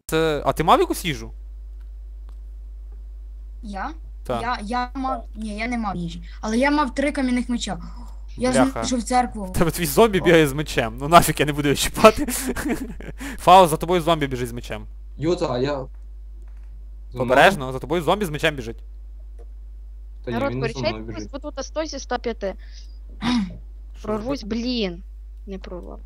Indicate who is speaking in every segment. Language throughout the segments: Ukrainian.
Speaker 1: А ти мав якусь їжу?
Speaker 2: Я?
Speaker 1: Так.
Speaker 2: Я мав. Ні, я не мав їжі. Але я мав 3 кам'яних меча. Я
Speaker 1: Бляха.
Speaker 2: знайшов церкву.
Speaker 1: Тебе твій зомбі бігає з мечем. Ну нафіг я не буду його чіпати. Фаус, за тобою зомбі біжить з мечем.
Speaker 3: Юта, а я...
Speaker 1: Обережно, за тобою зомбі з мечем біжить.
Speaker 3: Та ні,
Speaker 4: Народ,
Speaker 3: він не за мною
Speaker 4: порішайтесь,
Speaker 3: біжить.
Speaker 4: бо тут 100 зі 105. Прорвусь, блін. Не прорвав.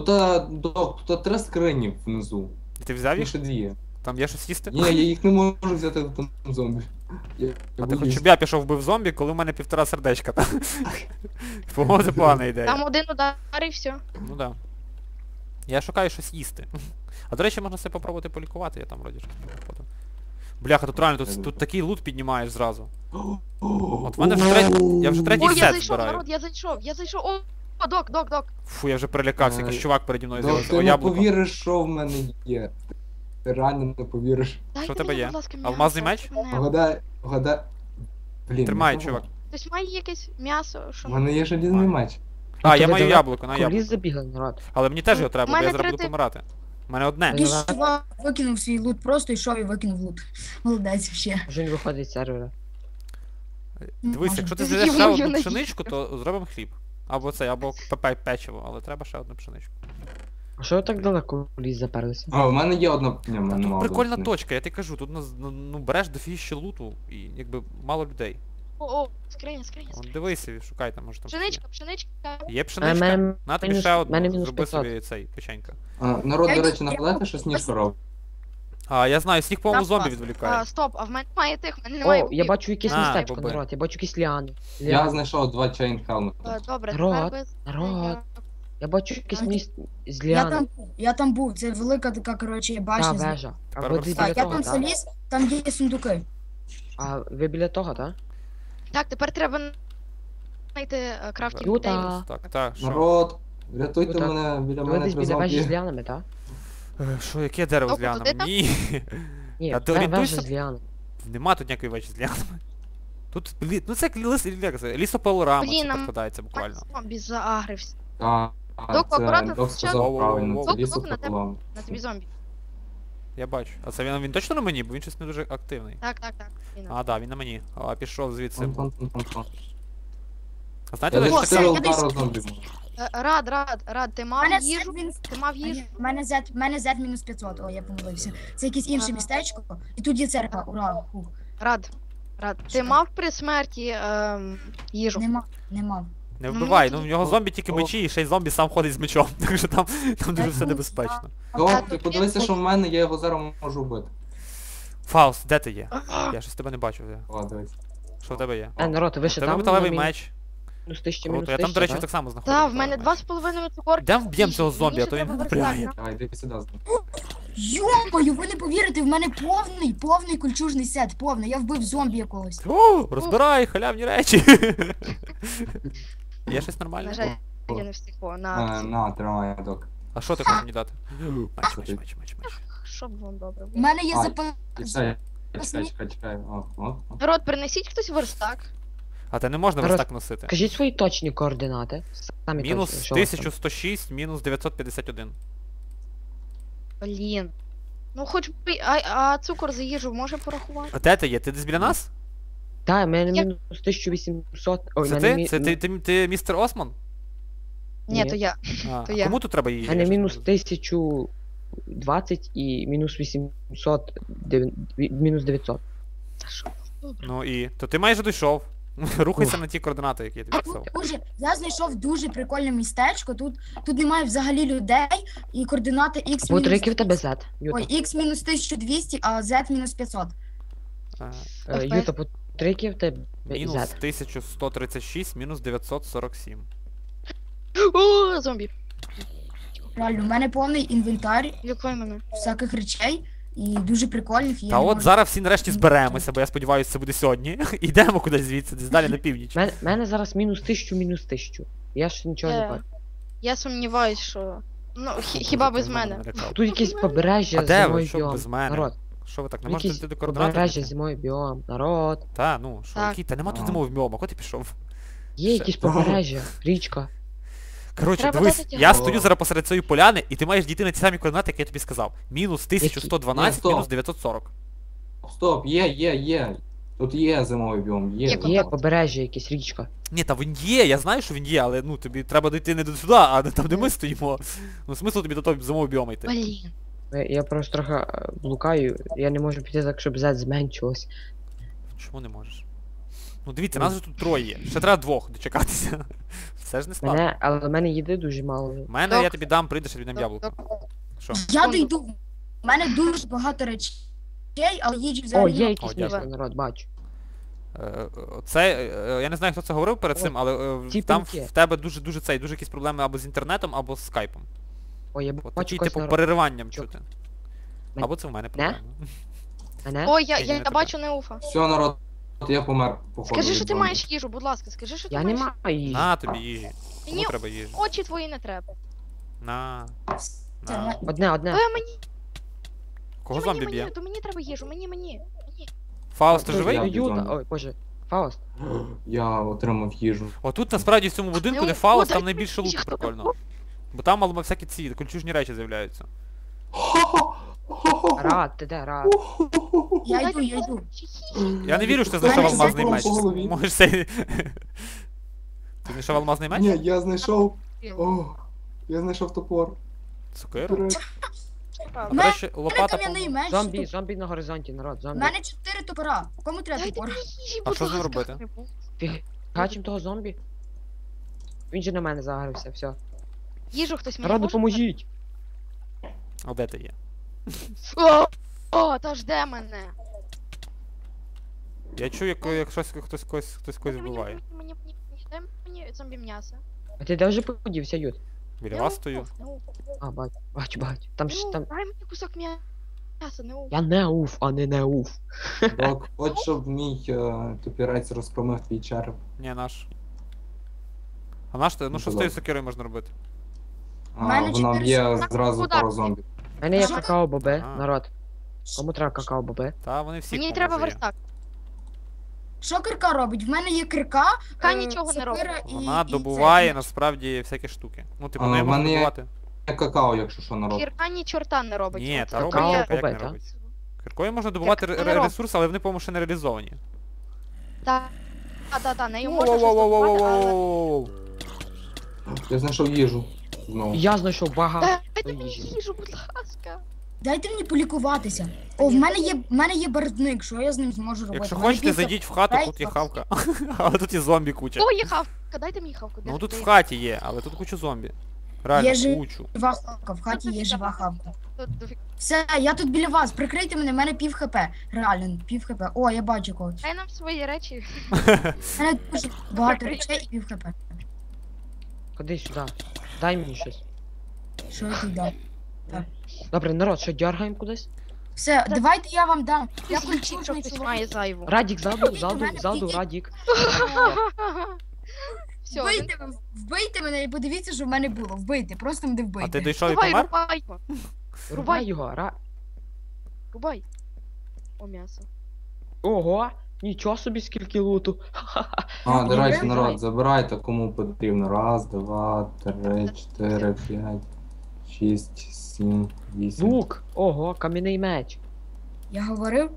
Speaker 3: Тут 3 скрині внизу.
Speaker 1: Ти взяв
Speaker 3: Їх
Speaker 1: їх?
Speaker 3: ще 2.
Speaker 1: Там є щось їсти?
Speaker 3: Ні, я їх не можу взяти в тому зомбі.
Speaker 1: А ти хоч щоб я пішов вбив зомбі, коли в мене 1,5 сердечка. По-моєму, це погана ідея.
Speaker 4: Там один удар і все.
Speaker 1: Ну да. Я шукаю щось їсти. А до речі, можна себе попробувати полікувати, я там вроді щось не походив. Бляха, тут реально, тут такий лут піднімаєш зразу. От в мене вже я вже третій
Speaker 4: Ой, я
Speaker 1: сет
Speaker 4: зайшов,
Speaker 1: збираю.
Speaker 4: народ, я зайшов. О, док.
Speaker 1: Фу, я вже перелякався, якийсь чувак переді мною
Speaker 3: Ну,
Speaker 1: з'явився.
Speaker 3: ти
Speaker 1: О,
Speaker 3: не
Speaker 1: яблуко.
Speaker 3: повіриш, що в мене є. Ти реально не повіриш.
Speaker 4: Дайте
Speaker 1: Що в тебе
Speaker 4: мені,
Speaker 1: є?
Speaker 4: будь ласка,
Speaker 1: Алмазний
Speaker 4: м'ясо,
Speaker 1: меч?
Speaker 4: мене.
Speaker 3: Вгадай. Блін.
Speaker 1: Тримай,
Speaker 3: не
Speaker 1: чувак.
Speaker 4: Хтось має якесь м'ясо,
Speaker 3: У
Speaker 4: що...
Speaker 3: мене є желізний меч.
Speaker 1: А, я
Speaker 5: ви
Speaker 1: маю
Speaker 5: давай
Speaker 1: яблуко, на
Speaker 5: Коліс
Speaker 1: яблуко.
Speaker 5: забігав, народ.
Speaker 1: Але мені теж його треба, бо я
Speaker 4: мене
Speaker 1: зараз буду
Speaker 4: 30.
Speaker 1: помирати. У мене одне.
Speaker 5: Ні.
Speaker 2: Якийсь чувак викинув свій лут, просто йшов і викинув лут. Молодець ще.
Speaker 5: Вже він виходить з сервера.
Speaker 1: Дивись, якщо ти
Speaker 4: Ти
Speaker 1: з'їдеш ще
Speaker 4: з'їв
Speaker 1: одну
Speaker 4: мою
Speaker 1: пшеничку, то зробимо хліб. Або це, або печиво, але треба ще одну пшеничку.
Speaker 5: А що ви так далеко в ліс заперлися?
Speaker 3: А, в мене є одна... Ні, в мене
Speaker 1: Тут
Speaker 3: мало.
Speaker 1: прикольна точка, я тобі кажу, тут ну береш дофіще луту і якби мало людей.
Speaker 4: О, скриня.
Speaker 1: От дивися, шукай там, може там.
Speaker 4: Пшеничка.
Speaker 1: Є
Speaker 5: А,
Speaker 1: пшеничка?
Speaker 5: мене
Speaker 1: На тобі
Speaker 5: мінус-
Speaker 1: ще одну,
Speaker 5: мене мінус
Speaker 1: зроби
Speaker 5: 500.
Speaker 1: собі цей печенька.
Speaker 3: Народ,
Speaker 2: Я
Speaker 3: до
Speaker 2: йду-
Speaker 3: речі, нагадайте, що сніжка робить.
Speaker 1: А, я знаю, сніг, по-моєму,
Speaker 4: Так,
Speaker 1: зомбі
Speaker 4: клас.
Speaker 1: відволікає.
Speaker 4: Стоп, а в мене немає тих, в мене немає
Speaker 5: О, я бачу якесь
Speaker 1: А,
Speaker 5: містечко,
Speaker 1: боби.
Speaker 5: народ, я бачу якісь ліани.
Speaker 3: Я знайшов 2 чейн хелмета.
Speaker 4: Добре,
Speaker 5: Народ,
Speaker 4: тепер без...
Speaker 5: народ. Я бачу якесь місце з
Speaker 2: Я
Speaker 5: ліани.
Speaker 2: я там був, це велика така, коротше,
Speaker 5: Та
Speaker 2: башня.
Speaker 5: вежа. А
Speaker 1: Тепер
Speaker 5: ви
Speaker 1: верста.
Speaker 5: біля
Speaker 2: Так, я
Speaker 5: того,
Speaker 2: там
Speaker 5: так?
Speaker 2: заліз, там є сундуки.
Speaker 5: А ви біля того, так?
Speaker 4: Так, тепер треба знайти крафтінг
Speaker 5: Юта.
Speaker 4: тейбл.
Speaker 1: Так, що?
Speaker 3: Народ, рятуйте
Speaker 5: Ну, так.
Speaker 3: мене, біля
Speaker 5: Ви
Speaker 3: мене
Speaker 5: десь
Speaker 3: 3
Speaker 5: біля вежі з
Speaker 3: зомбі.
Speaker 5: ліанами, так?
Speaker 1: Що, яке дерево з
Speaker 4: Тобто,
Speaker 1: ліанами?
Speaker 4: ти там?
Speaker 1: Ні.
Speaker 5: Ні,
Speaker 1: А ти
Speaker 5: вежа
Speaker 1: орієнтуйся?
Speaker 5: з ліанами.
Speaker 1: Нема тут ніякої вечі з ліанами. Тут, ну це лісопилорама,
Speaker 4: Блін,
Speaker 1: це
Speaker 4: нам-
Speaker 1: підкладається буквально.
Speaker 4: Зомбі заагрився.
Speaker 3: Так,
Speaker 4: Док,
Speaker 3: це
Speaker 4: акуратно,
Speaker 3: Док сказав
Speaker 1: Воу-воу-воу.
Speaker 3: правильно, це
Speaker 4: Док,
Speaker 3: лісо
Speaker 4: Док, на тебе.
Speaker 3: пополам.
Speaker 4: На тобі зомбі.
Speaker 1: Я бачу. А це він точно на мені, бо він щось не дуже активний.
Speaker 4: Так. Він.
Speaker 1: А, да, він на мені. А, пішов звідси.
Speaker 3: Тон-тон-тон-тон.
Speaker 1: А знаєте,
Speaker 3: Я
Speaker 1: де
Speaker 2: О,
Speaker 3: десь
Speaker 1: ж
Speaker 2: це
Speaker 3: 4
Speaker 2: я десь-
Speaker 3: удари зомбі можу.
Speaker 4: Рад, ти мав
Speaker 2: Мене
Speaker 4: їжу? Ти мав їжу?
Speaker 2: В мене Z мінус 500, о, я помилився. Це якесь інше
Speaker 4: Ага.
Speaker 2: містечко, і тут є церква, ура. Фух.
Speaker 4: Рад. Ти
Speaker 2: Що?
Speaker 4: мав при смерті їжу?
Speaker 2: Не мав.
Speaker 1: не
Speaker 4: ну,
Speaker 1: вбивай,
Speaker 4: ну,
Speaker 1: ну в нього зомбі тільки
Speaker 3: о.
Speaker 1: мечі, і ще й зомбі сам ходить з мечом. Так що там дуже все небезпечно.
Speaker 3: Док, ти подивися, що в мене, я його зараз можу вбити.
Speaker 1: Фауст, де ти є? Я щось тебе не бачу.
Speaker 3: О, дивись.
Speaker 1: Що в тебе є?
Speaker 5: Народ, ви
Speaker 1: У
Speaker 5: ще
Speaker 1: тебе
Speaker 5: там?
Speaker 1: металевий
Speaker 5: на
Speaker 1: меч.
Speaker 5: Мінус 1000,
Speaker 1: Круто,
Speaker 5: мінус
Speaker 1: я там, до
Speaker 5: 1000,
Speaker 1: речі,
Speaker 5: так?
Speaker 1: так само знаходжу.
Speaker 4: Так, в мене
Speaker 1: металевий меч.
Speaker 4: 2,5 цукорки.
Speaker 1: Йдемо вб'ємо цього зомбі, а то він
Speaker 4: Мені ще
Speaker 1: напрягає.
Speaker 4: треба
Speaker 3: Давай, йди сюди.
Speaker 2: Йомаю, ви не повірите, в мене повний кульчужний сет, повний. Я вбив зомбі якогось.
Speaker 1: О, розбирай, халявні речі. Є щось
Speaker 4: На
Speaker 1: нормальне?
Speaker 4: жаль, я не встиг на...
Speaker 3: На, тримай, Док.
Speaker 1: А що ти хочеш мені дати? Меч.
Speaker 4: Щоб вам добре
Speaker 2: У
Speaker 4: було.
Speaker 2: мене є
Speaker 3: Ай.
Speaker 2: запас.
Speaker 3: Чекай. О.
Speaker 4: Народ, принесіть хтось верстак.
Speaker 1: А те не можна
Speaker 5: Народ,
Speaker 1: верстак носити.
Speaker 5: Кажіть свої точні координати. Самі
Speaker 1: Мінус
Speaker 5: точні, що у вас там.
Speaker 1: 1106, мінус 951.
Speaker 4: Блін. Ну хоч би... А цукор за їжу може порахувати?
Speaker 1: А де ти є? Ти десь біля нас?
Speaker 5: Та, в мене
Speaker 4: Я-
Speaker 5: мінус 1800. Ой,
Speaker 1: Це
Speaker 5: в мене
Speaker 1: ти? Це ти містер Осман?
Speaker 4: Ні,
Speaker 5: Ні.
Speaker 4: то я.
Speaker 1: А,
Speaker 4: То
Speaker 1: а
Speaker 4: я.
Speaker 1: кому тут треба її?
Speaker 5: в мене мінус 1020 і мінус 800, мінус 900.
Speaker 4: Та що? Добре.
Speaker 1: Ну і. То ти майже дійшов. Рухайся на ті координати, які я тобі писав.
Speaker 2: Я знайшов дуже прикольне містечко. Тут немає взагалі людей, і координати X
Speaker 5: Бо
Speaker 2: мінус...
Speaker 5: який в тебе Z?
Speaker 2: Ой,
Speaker 5: Юта.
Speaker 2: X мінус 1200, а Z мінус 500.
Speaker 5: Юта, по який в тебе
Speaker 1: Мінус
Speaker 5: Z?
Speaker 1: 1136, мінус 947.
Speaker 4: О, зомбі.
Speaker 2: Реально, у мене повний інвентар
Speaker 4: Лікуй мене.
Speaker 2: всяких речей і дуже прикольних. і я
Speaker 1: Та
Speaker 2: не
Speaker 1: от
Speaker 2: можу-
Speaker 1: зараз всі нарешті зберемося, бо я сподіваюся, це буде сьогодні. Йдемо кудись звідси, десь далі на північ.
Speaker 5: В мене зараз мінус 1000, мінус 1000. Я ще нічого не бачу.
Speaker 4: Я сумніваюсь, що... Ну, хіба без мене.
Speaker 5: Тут якесь побережжя
Speaker 1: А де ви?
Speaker 5: зимою
Speaker 1: Що
Speaker 5: біом.
Speaker 1: без мене?
Speaker 5: Народ,
Speaker 1: Що ви так, не
Speaker 5: тут
Speaker 1: можете
Speaker 5: якесь
Speaker 1: йти до координат?
Speaker 5: побережжя зимою біом. Народ.
Speaker 1: Та, ну, що,
Speaker 4: Так.
Speaker 1: який? Та нема тут
Speaker 3: А.
Speaker 1: зимового біома, куди ти пішов?
Speaker 5: Є якесь побережжя, річка.
Speaker 1: Коротше,
Speaker 4: Треба
Speaker 1: дивись,
Speaker 4: дати
Speaker 1: я
Speaker 3: тягнути.
Speaker 1: стою зараз посеред цієї поляни, і ти маєш дійти на ті самі координати, які я тобі сказав. Мінус 1112,
Speaker 3: Ні,
Speaker 1: мінус
Speaker 3: стоп.
Speaker 1: 940.
Speaker 3: Стоп, є. Тут є зимовий біом, є.
Speaker 4: Є
Speaker 5: Є побережжя, якась річка.
Speaker 1: Ні, та він є, я знаю, що він є, але ну тобі треба дійти не до сюди, а не там, де ми стоїмо. Ну смисл тобі до того зимового біома йти.
Speaker 4: Блін.
Speaker 5: Я просто трохи блукаю, я не можу піти так, щоб Z зменшилось.
Speaker 1: Чому не можеш? Ну дивіться, нас же тут троє є. Ще треба двох дочекатися. Все ж не складно.
Speaker 5: Але в мене їди дуже мало.
Speaker 1: У мене я
Speaker 4: Док.
Speaker 1: тобі дам, прийдеш, я тобі дам яблуко. Що?
Speaker 2: Я дійду. У мене дуже багато речей, але їжі
Speaker 5: О,
Speaker 2: взагалі.
Speaker 5: є
Speaker 2: немає.
Speaker 5: якийсь
Speaker 1: дякую.
Speaker 5: місто, народ, бачу.
Speaker 1: Це, я не знаю, хто це говорив перед цим, але
Speaker 5: Ті
Speaker 1: там
Speaker 5: пінки.
Speaker 1: в тебе дуже якісь проблеми або з інтернетом, або з скайпом.
Speaker 5: О, я
Speaker 1: От
Speaker 5: бачу
Speaker 1: такі,
Speaker 5: якогось
Speaker 1: типу,
Speaker 5: народ.
Speaker 1: перериванням
Speaker 5: Чо?
Speaker 1: чути.
Speaker 5: Мен-
Speaker 1: Або це в мене проблеми.
Speaker 5: Мене?
Speaker 4: Ой,
Speaker 1: Ні, ні, не
Speaker 4: я
Speaker 1: тебе.
Speaker 4: бачу Неуфа.
Speaker 3: Все, народ, я помер, походу.
Speaker 4: Скажи,
Speaker 3: від
Speaker 4: що ти
Speaker 3: зомбі.
Speaker 4: маєш їжу, будь ласка, скажи, що ти
Speaker 5: Я не
Speaker 4: маєш.
Speaker 5: маю їжі.
Speaker 1: На тобі їжі. Кому
Speaker 4: Мені
Speaker 1: треба їжі?
Speaker 4: очі твої не треба.
Speaker 1: На.
Speaker 2: Це
Speaker 1: На.
Speaker 5: Одне.
Speaker 4: Мені,
Speaker 1: Кого зомбі б'є?
Speaker 4: то мені треба їжу, мені.
Speaker 1: Фауст, ти
Speaker 3: Я
Speaker 1: живий?
Speaker 3: б'ю
Speaker 5: Юта,
Speaker 3: зомбі.
Speaker 5: ой, боже. Фауст.
Speaker 3: Я отримав їжу.
Speaker 1: Отут насправді в цьому будинку, де
Speaker 4: Ну,
Speaker 1: Фауст,
Speaker 4: дай
Speaker 1: там найбільше луту
Speaker 4: їжу.
Speaker 1: прикольно. Бо там мало всякі ці кольчужні речі з'являються.
Speaker 5: Рад, ти де, рад.
Speaker 2: Я йду.
Speaker 1: Я не вірю, що ти знайшов
Speaker 2: Мене
Speaker 1: алмазний
Speaker 2: закон
Speaker 1: меч.
Speaker 3: по голові.
Speaker 1: Можеш цей... Ти знайшов алмазний меч?
Speaker 3: Ні, я знайшов. О, я знайшов топор.
Speaker 1: Цукеру?
Speaker 3: Вперед.
Speaker 1: А, до речі,
Speaker 2: У мене
Speaker 1: лопата,
Speaker 2: кам'яний
Speaker 1: по-моєму.
Speaker 2: меч.
Speaker 5: Зомбі на горизонті, народ,
Speaker 2: У
Speaker 5: зомбі.
Speaker 2: мене 4 топора. Кому треба
Speaker 4: Дайте
Speaker 2: топор?
Speaker 4: мені їжі,
Speaker 1: А
Speaker 4: будь
Speaker 1: що з ним
Speaker 4: ласка.
Speaker 1: робити?
Speaker 5: Гачим того зомбі. Він же на мене загрився, все.
Speaker 4: Їжу хтось мені
Speaker 5: Народ,
Speaker 4: може
Speaker 5: допоможіть.
Speaker 1: А де ти є?
Speaker 4: дати? О, та жде мене.
Speaker 1: Я чую, як щось хтось когось вбиває.
Speaker 4: Дай мені зомбі м'ясо.
Speaker 5: А ти де вже подівся, Ют?
Speaker 1: Біля вас стою.
Speaker 5: А, бачу. Там ж там.
Speaker 4: Дай мені кусок м'яса, не
Speaker 5: Я не уф, а не уф.
Speaker 3: Док, хоч щоб мій топірець розпромив твій череп.
Speaker 1: Ні, наш. А наш ти? Ну що з тією сокирою можна робити?
Speaker 3: А,
Speaker 2: мене
Speaker 3: вона
Speaker 2: 4
Speaker 3: б'є
Speaker 2: секунди.
Speaker 3: зразу
Speaker 4: Куда?
Speaker 3: пару зомбі.
Speaker 5: У мене є
Speaker 2: Що?
Speaker 5: какао-боби,
Speaker 1: А.
Speaker 5: народ. Кому треба какао-боби?
Speaker 1: Та вони всі.
Speaker 4: Мені треба верстак.
Speaker 2: Що кирка робить? В мене є кирка.
Speaker 4: Кирка нічого не
Speaker 2: сокира
Speaker 4: робить.
Speaker 2: і-
Speaker 1: Вона
Speaker 2: і
Speaker 1: добуває
Speaker 2: це.
Speaker 1: насправді всякі штуки. Ну, типу,
Speaker 3: А,
Speaker 1: нею
Speaker 3: в
Speaker 1: можна
Speaker 3: мене є-
Speaker 1: добувати.
Speaker 3: Я какао, якщо що, народ.
Speaker 4: Кірка ні чорта не робить.
Speaker 1: Ні,
Speaker 4: От
Speaker 1: та
Speaker 4: це
Speaker 1: робить,
Speaker 5: Какао
Speaker 4: є-
Speaker 1: як не
Speaker 5: робить, а?
Speaker 1: робить. Киркою можна добувати
Speaker 4: Як не робить.
Speaker 1: ресурси, але вони, по-моєму, ще не реалізовані.
Speaker 4: Та, нею можна щось добувати, але...
Speaker 1: Воу-воу-воу-воу-воу-воу.
Speaker 3: Я знайшов їжу. Знову.
Speaker 5: Я знайшов багато
Speaker 4: Дайте мені
Speaker 5: їжі.
Speaker 4: їжу, будь ласка.
Speaker 2: Дайте мені полікуватися. О, в мене є барвник, що я з ним зможу робити?
Speaker 1: Якщо
Speaker 2: В мене
Speaker 1: хочете,
Speaker 2: півка-
Speaker 1: зайдіть в хату,
Speaker 2: Дай
Speaker 1: тут є
Speaker 2: бокс.
Speaker 1: хавка. Але тут є зомбі куча.
Speaker 4: О, є хавка, дайте мені хавку.
Speaker 1: Ну тут
Speaker 4: де-
Speaker 1: в хаті є, але тут куча зомбі. Реально,
Speaker 2: Є ж-
Speaker 1: кучу.
Speaker 2: Жива хавка, в хаті є жива хавка.
Speaker 4: Тут дофіг-
Speaker 2: Все, я тут біля вас, прикрийте мене, в мене пів хп. Реально, пів хп. О, я бачу когось.
Speaker 4: Дай нам свої речі.
Speaker 2: В мене дуже багато
Speaker 4: Прикрийте.
Speaker 2: речей і пів хп.
Speaker 5: Ходи сюди. Дай мені щось.
Speaker 2: Що я тут дам?
Speaker 5: Добре, народ, що дергаємо кудись?
Speaker 2: Все, давайте я вам дам. Я
Speaker 4: Що
Speaker 2: культурний
Speaker 4: хтось
Speaker 2: чоловік.
Speaker 4: має зайву.
Speaker 5: Радік, ззаду,
Speaker 2: мене
Speaker 5: ззаду,
Speaker 2: підійдіть.
Speaker 5: Радік.
Speaker 4: Все,
Speaker 2: Вбийте мене і подивіться, що в мене було. Вбийте, просто мене
Speaker 1: А
Speaker 2: вбийте.
Speaker 1: ти дійшов і
Speaker 4: рубай,
Speaker 1: помер?
Speaker 4: рубай,
Speaker 5: Рубай його,
Speaker 4: рубай. О, м'ясо.
Speaker 5: Ого, нічого собі скільки луту.
Speaker 3: А, до речі,
Speaker 2: Давай.
Speaker 3: народ, забирайте кому потрібно. Раз, два, три, 4, 5, 6, 7, 8.
Speaker 5: Лук, ого, кам'яний меч.
Speaker 2: Я говорив,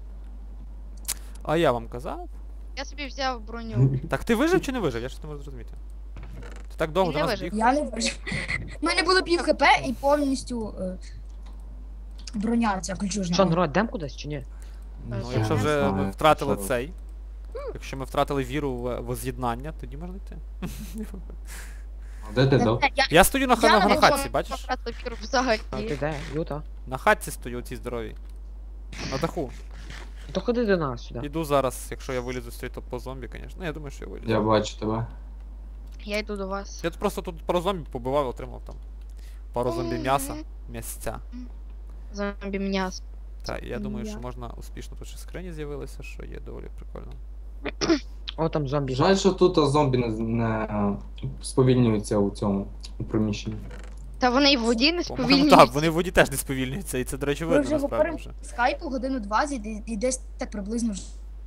Speaker 1: А я вам казав?
Speaker 4: Я собі взяв броню.
Speaker 1: Так ти вижив чи не вижив? Я щось не можу зрозуміти. Ти так довго
Speaker 4: Не
Speaker 1: до нас
Speaker 4: вижив.
Speaker 1: біг?
Speaker 2: я не вижив. У мене було пів хп і повністю броня ця кольчужна.
Speaker 5: Що, народ, йдем кудись чи ні?
Speaker 1: Ну,
Speaker 4: Я
Speaker 1: якщо
Speaker 3: не
Speaker 1: вже ми
Speaker 3: знаю,
Speaker 1: втратили
Speaker 3: що
Speaker 1: цей. Якщо ми втратили віру в воз'єднання, тоді можна йти.
Speaker 3: А де ти, Док?
Speaker 1: Я стою на
Speaker 2: Я
Speaker 1: на
Speaker 2: не
Speaker 1: хатці, бачиш?
Speaker 4: Взагалі.
Speaker 5: А ти де, Юта?
Speaker 1: На хатці стою, ці здорові. На даху.
Speaker 5: То ходи до нас сюди.
Speaker 1: Іду зараз, якщо я вилізу з цієї по зомбі, звісно. Ну, я думаю, що я вилізу.
Speaker 3: Я бачу тебе.
Speaker 4: Я йду до вас.
Speaker 1: Я тут просто тут пару зомбі побивав і отримав там. Пару зомбі м'яса, м'ясця.
Speaker 4: Зомбі м'ясо.
Speaker 1: Так, я думаю, що
Speaker 4: Я.
Speaker 1: можна успішно тут ще скрині з'явилися, що є доволі прикольно.
Speaker 5: О, там зомбі.
Speaker 3: Жаль, що тут зомбі не сповільнюються у цьому у приміщенні.
Speaker 4: Та вони і в воді не
Speaker 1: По-моєму,
Speaker 4: сповільнюються.
Speaker 1: так, вони в воді теж не сповільнюються, і це, до речі,
Speaker 2: Ми
Speaker 1: видно
Speaker 2: вже
Speaker 1: насправді
Speaker 2: говоримо
Speaker 1: вже.
Speaker 2: скайпу годину 20 і десь так приблизно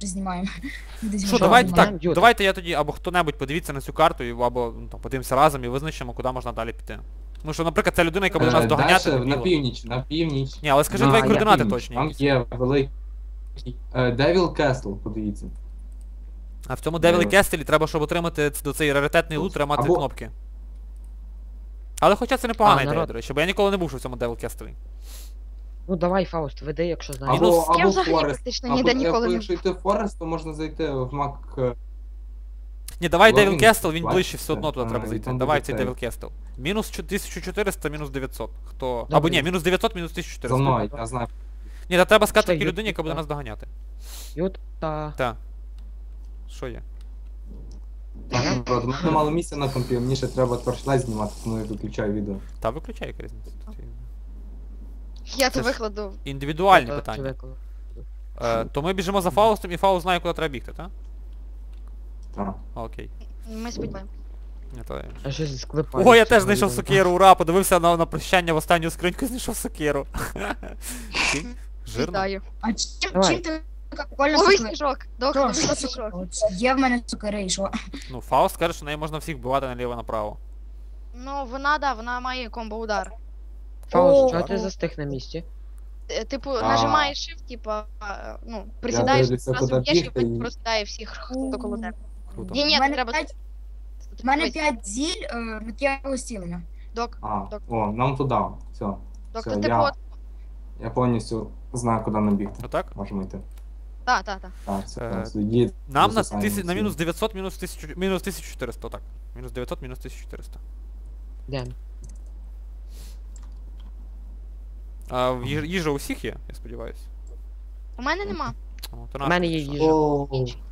Speaker 2: знімаємо. Десь
Speaker 1: Що,
Speaker 2: ми
Speaker 1: давайте
Speaker 2: знімаємо.
Speaker 1: так, давайте я тоді, або хто-небудь подивіться на цю карту, або ну, там, подивимося разом і визначимо, куди можна далі піти. Ну що, наприклад, ця людина, яка буде нас доганяти,
Speaker 3: Дальше, на
Speaker 1: дебіла.
Speaker 3: північ, на північ.
Speaker 1: Ні, але скажи
Speaker 3: На
Speaker 1: твої координати
Speaker 3: північ.
Speaker 1: точні.
Speaker 3: Там
Speaker 1: якісь.
Speaker 3: є великий Devil Castle, подивіться.
Speaker 1: А в цьому Девілі Кестелі треба, щоб отримати до цей раритетний лут, треба мати
Speaker 3: Або-
Speaker 1: кнопки. Але хоча це непогана ідея,
Speaker 5: народ.
Speaker 1: до речі, бо я ніколи не був ще в цьому Девіл Кестелі.
Speaker 5: Ну давай, Фауст, веди, якщо знаєш.
Speaker 1: Мінус-
Speaker 3: Або
Speaker 4: Я взагалі
Speaker 3: Forest.
Speaker 4: практично
Speaker 3: Або
Speaker 4: ніде ніколи не
Speaker 3: якщо йти в Форест, то можна зайти в Мак...
Speaker 1: Ні, давай
Speaker 3: Логін,
Speaker 1: Девіл Кестел, він
Speaker 3: бачите?
Speaker 1: ближче все одно туди треба
Speaker 3: і
Speaker 1: зайти.
Speaker 3: там
Speaker 1: Давай
Speaker 3: буде
Speaker 1: цей
Speaker 3: цей.
Speaker 1: Девіл Кестел. Мінус 1400, мінус 900. Хто?
Speaker 5: Добре.
Speaker 1: Або ні, мінус 900, мінус
Speaker 3: За
Speaker 1: 1400.
Speaker 3: мною, я знаю.
Speaker 1: Ні, та треба сказати
Speaker 5: Чекай,
Speaker 1: такій
Speaker 5: Ю-
Speaker 1: людині, яка буде
Speaker 5: та.
Speaker 1: нас доганяти.
Speaker 5: Юта.
Speaker 1: Так. Що є?
Speaker 3: Так, народ, у мене мало місця на компі, мені ще треба торчлайт знімати, тому я виключаю відео.
Speaker 1: Та виключай, яка різниця. Тут є
Speaker 4: Я
Speaker 1: Це
Speaker 4: то
Speaker 1: ж-
Speaker 4: викладу.
Speaker 1: індивідуальні
Speaker 5: Юта,
Speaker 1: питання.
Speaker 5: виклик.
Speaker 1: То ми біжимо за Фаустом, і Фауст знає, куди треба бігти, так?
Speaker 3: Так.
Speaker 1: Окей.
Speaker 4: Ми сподіваємося.
Speaker 1: Ні, то...
Speaker 5: А щось склепаю.
Speaker 1: О, я теж знайшов сокиру, ура! Подивився на прощання в останню скриньку і знайшов сокиру. Окей. Жирно.
Speaker 4: Вітаю.
Speaker 2: А чим,
Speaker 5: Давай.
Speaker 2: чим ти така прикольна
Speaker 4: Ловий
Speaker 2: сукера?
Speaker 4: сніжок.
Speaker 2: Що,
Speaker 4: Доктор,
Speaker 2: що
Speaker 4: ловий
Speaker 2: сукера?
Speaker 4: сніжок.
Speaker 2: От Є в мене сукери, і що?
Speaker 1: Ну, Фауст каже, що неї можна всіх вбивати наліво-направо.
Speaker 4: Ну, вона, да, вона має комбо-удар.
Speaker 5: Фауст,
Speaker 2: О,
Speaker 5: чого ти
Speaker 2: о.
Speaker 5: застиг на місці?
Speaker 4: Типу,
Speaker 3: А.
Speaker 4: нажимаєш shift, типа, ну, присідаєш,
Speaker 3: дивлюся,
Speaker 4: одразу
Speaker 3: куди
Speaker 4: б'єш і
Speaker 3: бігти, і-
Speaker 4: просідає всіх, хто коло тебе.
Speaker 1: Круто.
Speaker 4: Ні, ні,
Speaker 2: У мене
Speaker 4: треба...
Speaker 2: п'ять- У мене 5 зіль миттєвого зцілення.
Speaker 4: Док,
Speaker 3: А,
Speaker 4: Док.
Speaker 3: о, нам туди. Все.
Speaker 4: доктор,
Speaker 3: Все,
Speaker 4: типу,
Speaker 3: я-
Speaker 4: от...
Speaker 3: Я повністю знаю, куди нам бігти.
Speaker 1: Отак?
Speaker 3: Можемо йти.
Speaker 4: Так.
Speaker 3: Так, все,
Speaker 1: Е,
Speaker 3: все, йдіть.
Speaker 1: Нам на,
Speaker 3: Засосаємо
Speaker 1: на
Speaker 3: всі.
Speaker 1: мінус 900, мінус 1000, мінус 1400, так. Мінус 900, мінус 1400.
Speaker 5: Де?
Speaker 1: А їжа у всіх є, я сподіваюся.
Speaker 4: У мене нема.
Speaker 1: О, то
Speaker 5: У
Speaker 1: наша
Speaker 5: мене є
Speaker 1: пішла.
Speaker 5: їжа.
Speaker 3: О,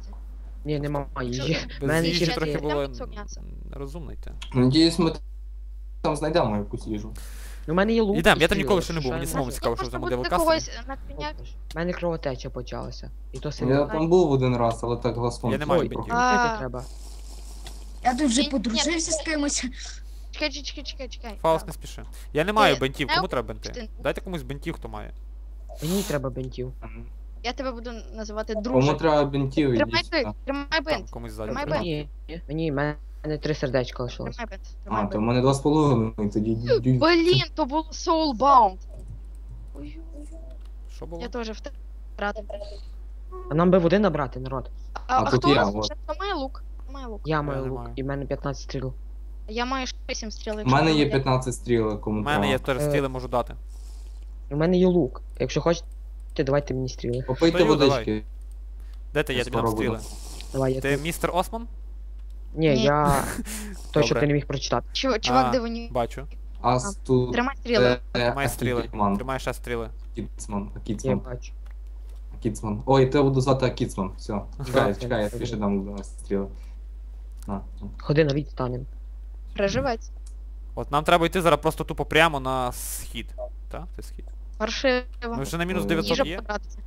Speaker 5: Ні, немає їжі. У
Speaker 1: Без
Speaker 5: мене
Speaker 1: їжі
Speaker 5: ще
Speaker 1: трохи
Speaker 5: є.
Speaker 1: було
Speaker 4: Там м'ясо.
Speaker 1: нерозумно йти.
Speaker 3: Надіюсь, ми там знайдемо якусь їжу.
Speaker 5: У мене є лук.
Speaker 1: Ідем,
Speaker 5: і
Speaker 1: я там
Speaker 5: стріли,
Speaker 1: ніколи ще не
Speaker 5: що
Speaker 1: був, мені
Speaker 5: я
Speaker 1: самому
Speaker 5: можу?
Speaker 1: цікаво, що в
Speaker 4: Можна
Speaker 1: цьому
Speaker 4: буде
Speaker 1: девелкасті.
Speaker 4: когось на коняк.
Speaker 5: У мене кровотеча почалася. І то
Speaker 3: Я
Speaker 5: сильно.
Speaker 3: там був один раз, але так глазком.
Speaker 1: Я не маю
Speaker 5: Ой,
Speaker 1: бінтів.
Speaker 5: пити треба.
Speaker 2: Я тут вже
Speaker 4: Ні,
Speaker 2: подружився з кимось.
Speaker 4: Чекай.
Speaker 1: Фауст не спіши. Я не маю
Speaker 4: Ти
Speaker 1: бентів,
Speaker 4: не
Speaker 1: кому треба бенти?
Speaker 4: ти-
Speaker 1: Дайте комусь бентів, хто має.
Speaker 5: Мені треба бинтів.
Speaker 4: Я тебе буду називати
Speaker 3: Кому
Speaker 4: друже.
Speaker 3: треба бінтів,
Speaker 4: Тримай
Speaker 3: ідіть.
Speaker 4: бинт,
Speaker 3: сюди.
Speaker 4: тримай
Speaker 1: Там
Speaker 4: бинт.
Speaker 1: комусь ззаду.
Speaker 4: Тримай
Speaker 1: треба.
Speaker 5: Мені, в мене 3 сердечка лишилось.
Speaker 4: Тримай бинт.
Speaker 3: А,
Speaker 4: Тримай
Speaker 3: то в
Speaker 4: бинт.
Speaker 3: мене 2,5, тоді йдіть.
Speaker 4: Блін, то було Soulbound. Ой,
Speaker 1: Що було?
Speaker 4: я теж втратив.
Speaker 5: А нам би води набрати, народ.
Speaker 3: А тут
Speaker 4: хто
Speaker 3: я,
Speaker 4: у нас
Speaker 3: от.
Speaker 4: ще? Хто має лук? Хто має лук?
Speaker 5: Я маю
Speaker 1: не
Speaker 5: лук,
Speaker 1: маю.
Speaker 5: і в мене 15 стріл.
Speaker 4: Я маю 8 стріл.
Speaker 3: У
Speaker 4: якщо
Speaker 3: мене є
Speaker 4: буде.
Speaker 3: 15 стрілок, кому
Speaker 1: У мене є
Speaker 3: треба.
Speaker 1: теж стіли, можу дати.
Speaker 5: У мене є лук. Якщо хочете, давайте мені стріли.
Speaker 3: Попийте
Speaker 1: Даю,
Speaker 3: водички.
Speaker 1: Де ти? Я тобі дам
Speaker 3: Скоро
Speaker 1: стріли.
Speaker 3: буду.
Speaker 5: Давай, я
Speaker 1: Ти
Speaker 5: тут.
Speaker 1: містер Осман?
Speaker 5: Ні,
Speaker 4: Ні.
Speaker 5: я... Той, що
Speaker 1: Добре.
Speaker 5: ти не міг прочитати.
Speaker 1: А,
Speaker 4: Чувак, дивоні.
Speaker 1: Бачу.
Speaker 3: Ас тут...
Speaker 4: Тримай стріли.
Speaker 1: Тримай стріли.
Speaker 3: Акіцман.
Speaker 1: Тримай ще стріли.
Speaker 3: Акіцман.
Speaker 5: Я
Speaker 3: Акіцман.
Speaker 5: бачу.
Speaker 3: Акіцман. Ой, тебе буду звати Акіцман. Все. Чекай,
Speaker 5: Так,
Speaker 3: чекай, я
Speaker 5: так.
Speaker 3: тобі ще дам до нас стріли. На.
Speaker 5: Ходи на відстанем.
Speaker 4: Приживеться.
Speaker 1: От нам треба йти зараз просто тупо прямо на схід. Так? Це схід.
Speaker 4: Паршиво.
Speaker 1: Ми вже на мінус
Speaker 3: Ой.
Speaker 1: 900
Speaker 4: Їжа
Speaker 1: є,
Speaker 4: потратиться.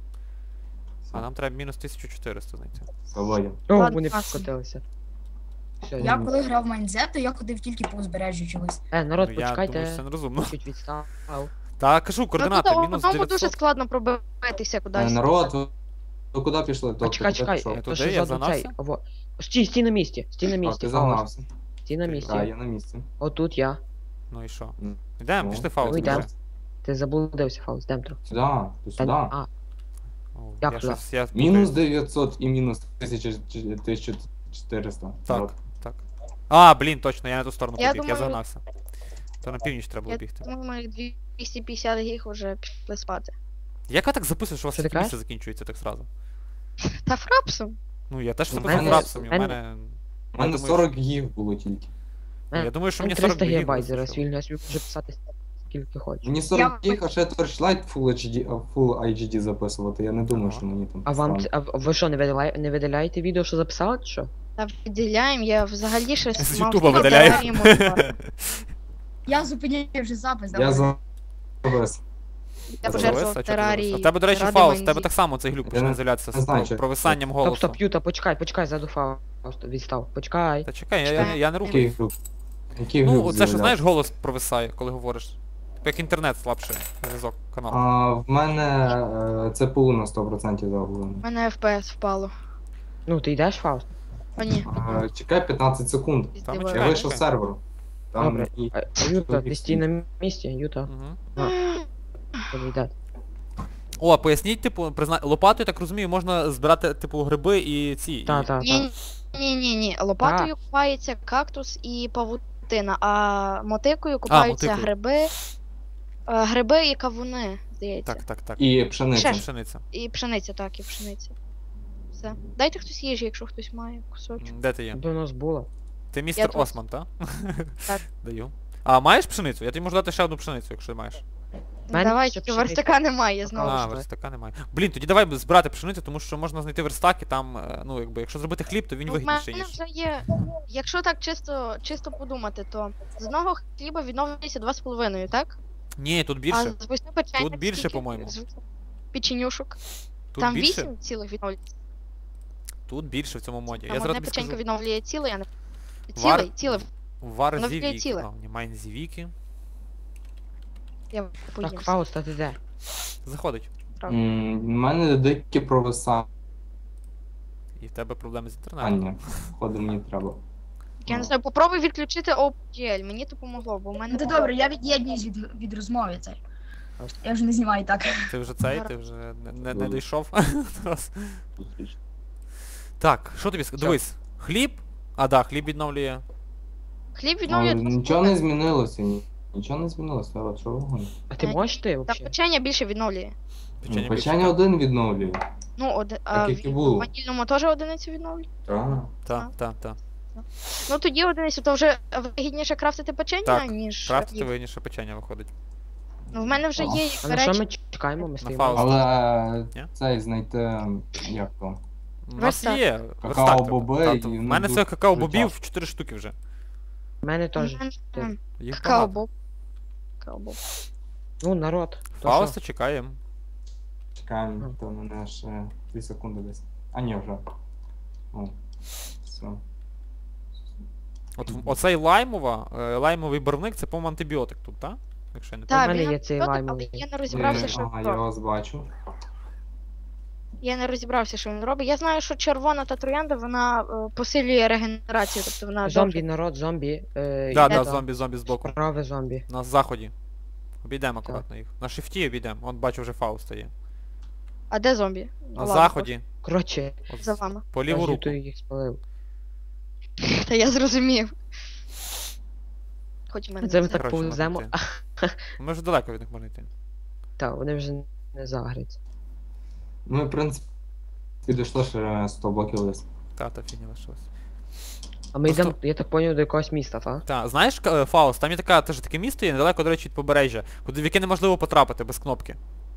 Speaker 1: а нам треба мінус 1400 знайти.
Speaker 3: Свободен.
Speaker 5: О,
Speaker 4: Ладно,
Speaker 5: вони
Speaker 4: класно.
Speaker 5: покотилися. Все,
Speaker 2: Я коли грав в Майнзет, то я ходив тільки по узбережжю чогось.
Speaker 5: народ,
Speaker 1: Ну, я думаю, що це
Speaker 5: почекайте.
Speaker 1: нерозумно.
Speaker 5: Чуть відстав.
Speaker 1: Та кажу, координати,
Speaker 4: Ну, тут
Speaker 1: мінус
Speaker 4: одному дуже
Speaker 1: 900.
Speaker 4: складно пробитися кудись.
Speaker 3: Народ, ви куди пішли?
Speaker 5: А
Speaker 3: Доктор,
Speaker 5: чекай,
Speaker 3: куди
Speaker 5: чекай,
Speaker 3: пішов?
Speaker 1: Я
Speaker 5: то
Speaker 1: туди,
Speaker 5: що
Speaker 1: я
Speaker 5: ззаду
Speaker 1: загнався?
Speaker 5: цей. Во. Стій на місці, стій на
Speaker 3: А,
Speaker 5: місці.
Speaker 3: ти
Speaker 5: Фауст.
Speaker 3: загнався.
Speaker 5: Стій на місці.
Speaker 3: Так, я на місці.
Speaker 5: Отут я.
Speaker 1: Ну і що?
Speaker 3: Ну,
Speaker 1: Йдемо,
Speaker 3: ну,
Speaker 1: пішли Фауст.
Speaker 5: ну, йдемо.
Speaker 1: біжи.
Speaker 5: Ти заблудився, Фауст, дем трохи.
Speaker 3: Сюди, ти
Speaker 5: Та-
Speaker 3: сюди.
Speaker 5: А,
Speaker 1: О,
Speaker 5: Як
Speaker 1: я
Speaker 5: туди?
Speaker 1: щось, я
Speaker 3: Мінус
Speaker 1: путаюсь.
Speaker 3: 900 і мінус 1400.
Speaker 1: Так, так. А, блін, точно, я на ту сторону
Speaker 4: Я
Speaker 1: побіг, я
Speaker 4: думаю-
Speaker 1: загнався. То на північ треба було
Speaker 4: Я
Speaker 1: бігти.
Speaker 4: думаю, ми 250 гіг вже пішли спати.
Speaker 1: Як ви так записуєш, що у вас
Speaker 5: Що ти
Speaker 1: таке місце
Speaker 5: кажеш?
Speaker 1: закінчується так зразу?
Speaker 4: Та фрапсом.
Speaker 1: Ну, я теж
Speaker 3: У
Speaker 1: записав
Speaker 3: мене-
Speaker 1: рапсом, і
Speaker 5: у
Speaker 1: в
Speaker 5: мене-
Speaker 1: мене...
Speaker 3: У мене
Speaker 1: думаю,
Speaker 3: 40 гіг було тільки.
Speaker 1: Я думаю, що мені
Speaker 5: 300
Speaker 1: 40 гігів
Speaker 5: гігабайт зараз
Speaker 1: вистачило.
Speaker 5: вільно, я собі можу писати скільки хочу.
Speaker 3: Мені 40 гіг, а ще Torchlight Full HD записувати. Я не думаю,
Speaker 1: Ага.
Speaker 3: що мені там
Speaker 5: А вам,
Speaker 3: стане.
Speaker 5: а ви що, не видаляєте відео, що записали, чи що?
Speaker 4: Та виділяємо, я взагалі ще
Speaker 1: З
Speaker 4: мав
Speaker 1: Ютуба
Speaker 4: такі
Speaker 1: видаляю.
Speaker 4: теорії монтувати.
Speaker 2: Я зупиняю вже запис.
Speaker 3: Я
Speaker 2: давай.
Speaker 3: завис.
Speaker 4: Я
Speaker 1: Завис?
Speaker 4: пожертвував
Speaker 1: А чого ти
Speaker 4: терарії.
Speaker 1: завис? А в тебе, до речі,
Speaker 4: ради
Speaker 1: Фауст, в тебе
Speaker 4: Майнзі.
Speaker 1: так само цей глюк почне
Speaker 3: не-
Speaker 1: з'являтися
Speaker 3: не знаю,
Speaker 1: з
Speaker 3: чи-
Speaker 1: провисанням
Speaker 5: Стоп,
Speaker 1: голосу.
Speaker 5: стоп, Юта, почекай, заду Фауст, відстав, почекай.
Speaker 1: Та чекай, я не
Speaker 3: Який
Speaker 1: рухаю.
Speaker 3: глюк? Який
Speaker 1: Ну,
Speaker 3: глюк
Speaker 1: оце що,
Speaker 3: з'являвся?
Speaker 1: знаєш, голос провисає, коли говориш. Як інтернет слабший зв'язок каналу.
Speaker 3: В мене ЦПУ на 100% загублено.
Speaker 4: У мене FPS впало.
Speaker 5: Ну, ти йдеш, Фауст?
Speaker 4: О, ні.
Speaker 3: Чекай 15 секунд.
Speaker 1: Там
Speaker 4: Здиваю.
Speaker 3: Я
Speaker 1: чекай.
Speaker 3: вийшов з серверу. Там
Speaker 5: Добре.
Speaker 3: і...
Speaker 5: Юта, ти стій на місці, Юта.
Speaker 1: Угу.
Speaker 5: Підійде.
Speaker 1: О, поясніть, типу, лопатою, так розумію, можна збирати, типу, гриби і ці.
Speaker 5: Та, та,
Speaker 4: Ні,
Speaker 5: та.
Speaker 4: ні. Лопатою купається кактус і павутина, а мотикою купаються
Speaker 1: мотикою.
Speaker 4: гриби і кавуни, здається.
Speaker 1: Так.
Speaker 3: І пшениця.
Speaker 4: Ще.
Speaker 1: Пшениця.
Speaker 4: І пшениця, так, і пшениця. Все. Дайте хтось їжі, якщо хтось має кусочок.
Speaker 1: Де ти є?
Speaker 5: До нас було.
Speaker 1: Ти містер
Speaker 4: тут.
Speaker 1: Осман, так?
Speaker 4: Так.
Speaker 1: Даю. А маєш пшеницю? Я тобі можу дати ще одну пшеницю, якщо маєш.
Speaker 5: мене
Speaker 4: Давай,
Speaker 5: ще
Speaker 4: тільки
Speaker 5: пшениця.
Speaker 4: верстака немає, знову
Speaker 1: А,
Speaker 4: ж.
Speaker 1: верстака немає. Блін, тоді давай збирати пшеницю, тому що можна знайти верстак і там, ну, якби, якщо зробити хліб, то він
Speaker 4: Ну, в
Speaker 1: вигідніший,
Speaker 4: мене
Speaker 1: ніж.
Speaker 4: вже є. Якщо так чисто подумати, то з одного хліба відновлюється 2,5, так?
Speaker 1: Ні, тут
Speaker 4: А
Speaker 1: більше.
Speaker 4: з 8 печеньок
Speaker 1: Тут більше,
Speaker 4: скільки?
Speaker 1: по-моєму.
Speaker 4: З 8 печенюшок.
Speaker 1: Тут
Speaker 4: Там
Speaker 1: більше.
Speaker 4: 8 цілих відновлюється.
Speaker 1: Тут більше в цьому моді.
Speaker 4: Там
Speaker 1: Я зараз
Speaker 4: одне
Speaker 1: тобі
Speaker 4: печенько
Speaker 1: скажу.
Speaker 4: відновлює цілий, а не...
Speaker 1: Вар-
Speaker 4: Цілий.
Speaker 1: Вар
Speaker 4: воно
Speaker 1: зівіки.
Speaker 4: ціле.
Speaker 1: А, ні, майн зівіки.
Speaker 4: Я поїм.
Speaker 5: Так, Фауст, а ти де?
Speaker 1: Заходить.
Speaker 3: У мене дикі провисання.
Speaker 1: І в тебе проблеми з інтернетом.
Speaker 3: Походу мені треба.
Speaker 4: Я не знаю, попробуй відключити OpenGL, мені допомогло, бо в мене...
Speaker 2: Ну то добре, я від'єднуюсь від розмови цей. Я вже не знімаю так.
Speaker 1: Ти вже цей, ти вже не дійшов. Раз. Так, що тобі сказати? Дивись, хліб. А, да, хліб відновлює.
Speaker 4: Хліб відновлює 2,5.
Speaker 3: Нічого не змінилося. Нічого не змінилося, але що ви гоните?
Speaker 5: А ти можеш ти
Speaker 4: Та
Speaker 5: взагалі?
Speaker 4: печення більше відновлює.
Speaker 1: Печення
Speaker 3: Печення
Speaker 1: більше.
Speaker 3: один відновлює.
Speaker 4: Ну,
Speaker 3: Так, як і було.
Speaker 4: в ванільному теж одиницю відновлює.
Speaker 3: Так.
Speaker 1: Так.
Speaker 4: Ну тоді одиницю, то вже вигідніше крафтити печення,
Speaker 1: Так,
Speaker 4: ніж...
Speaker 1: Крафтити
Speaker 4: їх.
Speaker 1: вигідніше печення виходить.
Speaker 4: Ну в мене вже є
Speaker 5: А на що
Speaker 4: речі.
Speaker 5: ми чекаємо? Ми стоїмо.
Speaker 1: Фауст.
Speaker 3: Але
Speaker 1: Ні?
Speaker 3: цей знайти, як то?
Speaker 1: У нас
Speaker 4: Верстак.
Speaker 1: є.
Speaker 3: Какао-боби
Speaker 1: верстак,
Speaker 3: і,
Speaker 1: тобто. В
Speaker 3: ну,
Speaker 1: мене
Speaker 3: дуже-
Speaker 1: це какао-бобів
Speaker 3: дуже
Speaker 1: 4 штуки вже.
Speaker 5: У мене теж.
Speaker 1: Їх багато.
Speaker 4: Какао-боб. Какао-боб.
Speaker 5: Ну, народ. то
Speaker 1: Фауста чекаємо.
Speaker 3: Чекаємо, то мене ще 2 секунди десь. А ні, вже. О, все.
Speaker 1: Оцей лаймовий барвник, це, по-моєму, антибіотик тут, так? Якщо я не
Speaker 5: Так.
Speaker 1: помиляюсь.
Speaker 5: мене
Speaker 4: він
Speaker 5: є цей
Speaker 4: антибіотик,
Speaker 5: лаймовий.
Speaker 4: але я не розібрався, що
Speaker 3: Ага,
Speaker 4: він
Speaker 3: я
Speaker 4: робить.
Speaker 3: вас бачу.
Speaker 4: Я не розібрався, що він робить. Я знаю, що червона та троянда, вона посилює регенерацію, тобто вона
Speaker 5: Зомбі,
Speaker 4: довше-
Speaker 5: народ, зомбі.
Speaker 1: Да, зомбі збоку.
Speaker 5: Праве зомбі.
Speaker 1: На заході. Обійдемо акуратно їх. На шифті обійдемо. Он бачу вже Фауста є.
Speaker 4: А де зомбі? Ну,
Speaker 1: На
Speaker 4: ладно,
Speaker 1: заході.
Speaker 5: Коротше,
Speaker 1: От
Speaker 4: За вами.
Speaker 1: по ліву
Speaker 5: я
Speaker 1: руку.
Speaker 5: Ютою їх спалив.
Speaker 4: Та я зрозумів. Хоч в мене
Speaker 5: Це
Speaker 4: не
Speaker 5: ми так
Speaker 1: Коротше,
Speaker 5: повеземо.
Speaker 1: можна Ми вже далеко від них можна йти.
Speaker 5: Так, вони вже не загряться.
Speaker 3: Ми, в принципі, підійшли ще 100 блоків лист.
Speaker 1: Та фігня лишилась.
Speaker 5: А ми
Speaker 1: Просто-
Speaker 5: йдемо, я так поняв, до якогось міста, так?
Speaker 1: Та, знаєш, Фауст, там є теж таке місто є недалеко, до речі, від побережжя, в яке неможливо потрапити без кнопки.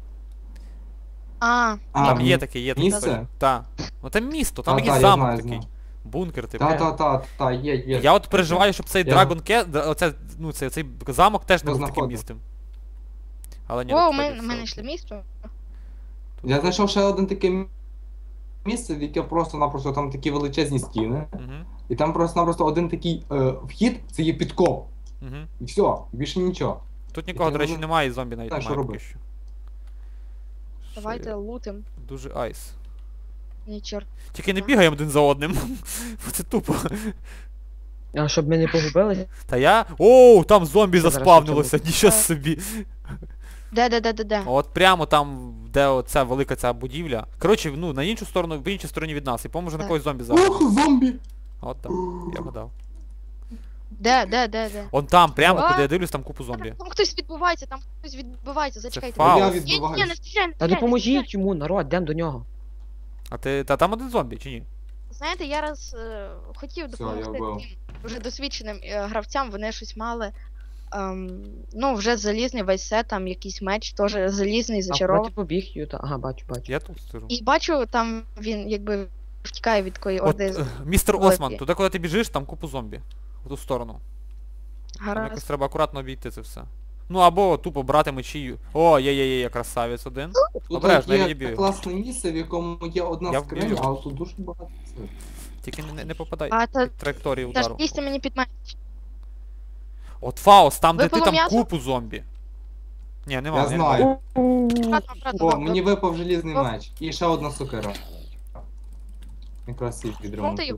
Speaker 4: А,
Speaker 1: Там
Speaker 3: ні.
Speaker 1: є таке.
Speaker 3: Місце?
Speaker 1: Так. Ну там місто, там
Speaker 3: Та,
Speaker 1: якийсь
Speaker 3: я
Speaker 1: замок
Speaker 3: знаю,
Speaker 1: такий.
Speaker 3: знаю.
Speaker 1: Бункер, типу.
Speaker 3: Та, є.
Speaker 1: Я от переживаю, щоб цей
Speaker 3: Я-
Speaker 1: цей замок теж не був таким
Speaker 3: Знаходив.
Speaker 1: містом. Але ні,
Speaker 4: о,
Speaker 1: насправді
Speaker 4: ми
Speaker 1: все
Speaker 4: знайшли
Speaker 1: окей.
Speaker 4: місто.
Speaker 3: Я знайшов ще один таке місце, в яке просто-напросто там такі величезні стіни.
Speaker 1: Мгм.
Speaker 3: І там просто-напросто один такий вхід, це є підкоп.
Speaker 1: Мгм.
Speaker 3: І все, більше нічого.
Speaker 1: Тут нікого, до речі,
Speaker 3: воно-
Speaker 1: немає, і зомбі навіть
Speaker 3: Так, що
Speaker 1: немає поки
Speaker 3: робити?
Speaker 1: що.
Speaker 4: Давайте
Speaker 1: Що
Speaker 4: лутим.
Speaker 1: є? Дуже айс.
Speaker 4: Ні, чорт.
Speaker 1: Тільки не бігаємо один за одним. Бо це тупо.
Speaker 5: А щоб ми не погубилися,
Speaker 1: Та я. Оу, там зомбі
Speaker 5: Це зараз
Speaker 1: заспавнилося,
Speaker 5: почало.
Speaker 1: нічого собі.
Speaker 4: Де?
Speaker 1: От прямо там, де оця велика ця будівля. Коротше, ну, на іншу сторону, в іншій стороні від нас. І по-моєму вже на
Speaker 4: Так.
Speaker 1: когось зомбі зараз.
Speaker 3: Ух, зомбі!
Speaker 1: От там, я гадав.
Speaker 4: Де?
Speaker 1: Он там, прямо,
Speaker 4: А?
Speaker 1: куди я дивлюсь, там купу зомбі.
Speaker 4: Там хтось відбувається, зачекайте.
Speaker 1: Фауст.
Speaker 3: Я
Speaker 4: Ні,
Speaker 3: відбиваюсь.
Speaker 4: не стріляй, не
Speaker 5: та
Speaker 4: стріляй, не
Speaker 5: допоможіть йому, народ, йдемо до нього.
Speaker 1: А ти. Та там один зомбі, чи ні?
Speaker 4: Знаєте, я раз хотів
Speaker 3: Все,
Speaker 4: допомогти
Speaker 3: я вбив.
Speaker 4: таким вже досвідченим гравцям, вони щось мали. Ну, вже залізний весь сет, там якийсь меч, теж залізний,
Speaker 5: А куди
Speaker 4: зачарований.
Speaker 5: ти побіг, Юта? Ага, бачу.
Speaker 1: Я тут стежу.
Speaker 4: І бачу, там він якби втікає від такої
Speaker 1: От,
Speaker 4: орди.
Speaker 1: містер
Speaker 4: великої.
Speaker 1: Осман, туди, коли ти біжиш, там купу зомбі. В ту сторону. Там якось
Speaker 4: Гаразд.
Speaker 1: треба акуратно обійти це все. Ну або тупо брати мечі. О, є, красавець один.
Speaker 3: Тут
Speaker 1: Обережно, я
Speaker 3: є
Speaker 1: відбію.
Speaker 3: класне місце, в якому є одна
Speaker 1: Я
Speaker 3: скриня,
Speaker 1: вб'ю.
Speaker 3: але тут дуже багато цих.
Speaker 1: Тільки не попадай
Speaker 4: А та
Speaker 1: під траєкторію
Speaker 4: та ж
Speaker 1: удару.
Speaker 4: дійсно мені під мене.
Speaker 1: От Фауст, там де ти
Speaker 4: Випало
Speaker 1: там
Speaker 4: м'ясо?
Speaker 1: купу зомбі. Ні, нема.
Speaker 3: Я знаю.
Speaker 4: Обратно,
Speaker 3: О, мені випав желізний
Speaker 4: О.
Speaker 3: меч. І ще одна сокира. Якраз їх відремонтую.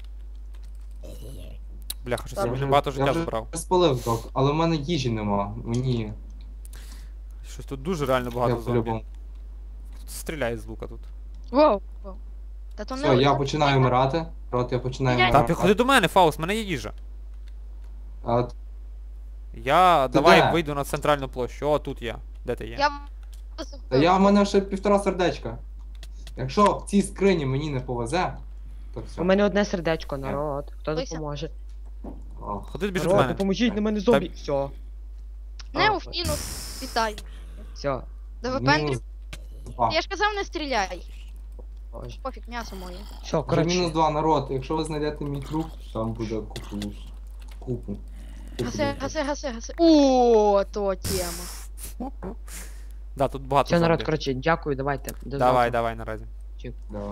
Speaker 1: Бляха, щось
Speaker 4: Я
Speaker 1: я
Speaker 3: вже-
Speaker 1: мені багато
Speaker 3: я
Speaker 1: життя
Speaker 3: вже
Speaker 1: забрав.
Speaker 3: спалив док, але в мене їжі нема. Мені
Speaker 1: Щось тут дуже реально багато
Speaker 3: я
Speaker 1: зомбі.
Speaker 3: по-любому.
Speaker 1: Тут стріляє з лука тут.
Speaker 4: Воу. Та то
Speaker 3: Все, я починаю вмирати. Рот, я починаю
Speaker 4: Ні, ні.
Speaker 1: Та
Speaker 3: вмирати.
Speaker 1: підходи до мене, Фаус, в мене є їжа.
Speaker 3: А,
Speaker 1: Я
Speaker 3: Ти
Speaker 1: давай
Speaker 3: де?
Speaker 1: вийду на центральну площу. О, тут я. Де ти є?
Speaker 4: Я...
Speaker 3: та в мене ще 1,5 сердечка. Якщо в цій скрині мені не повезе, то все.
Speaker 5: У мене одне сердечко, народ. Хто
Speaker 4: Лися.
Speaker 5: допоможе?
Speaker 3: Ох.
Speaker 1: Ходи біжи до
Speaker 5: Народ,
Speaker 1: мене.
Speaker 5: допоможіть, на мене зомбі. Все.
Speaker 4: Неуф, мінус. Вітаю.
Speaker 5: Все.
Speaker 4: Да ви
Speaker 3: Мінус
Speaker 4: пендрі...
Speaker 3: 2.
Speaker 4: Я ж казав, не стріляй.
Speaker 5: Боже.
Speaker 4: Пофіг, м'ясо моє.
Speaker 5: Все,
Speaker 3: Вже мінус
Speaker 5: коротше.
Speaker 3: 2 народ. Якщо ви знайдете мій труп, там буде купу. Купу.
Speaker 4: Гаси. О, то тема.
Speaker 1: Да, тут багато
Speaker 5: Все, народ,
Speaker 1: зомбі.
Speaker 5: коротше, дякую, давайте. До
Speaker 1: Давай,
Speaker 5: завтра.
Speaker 1: давай наразі.
Speaker 3: Да.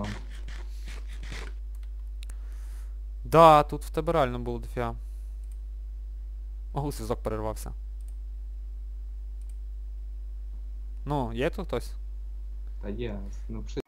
Speaker 1: Да, тут в тебе реально було дофіга. Ого, зв'язок перервався. Ну, є тут хтось?
Speaker 3: Та є. Ну,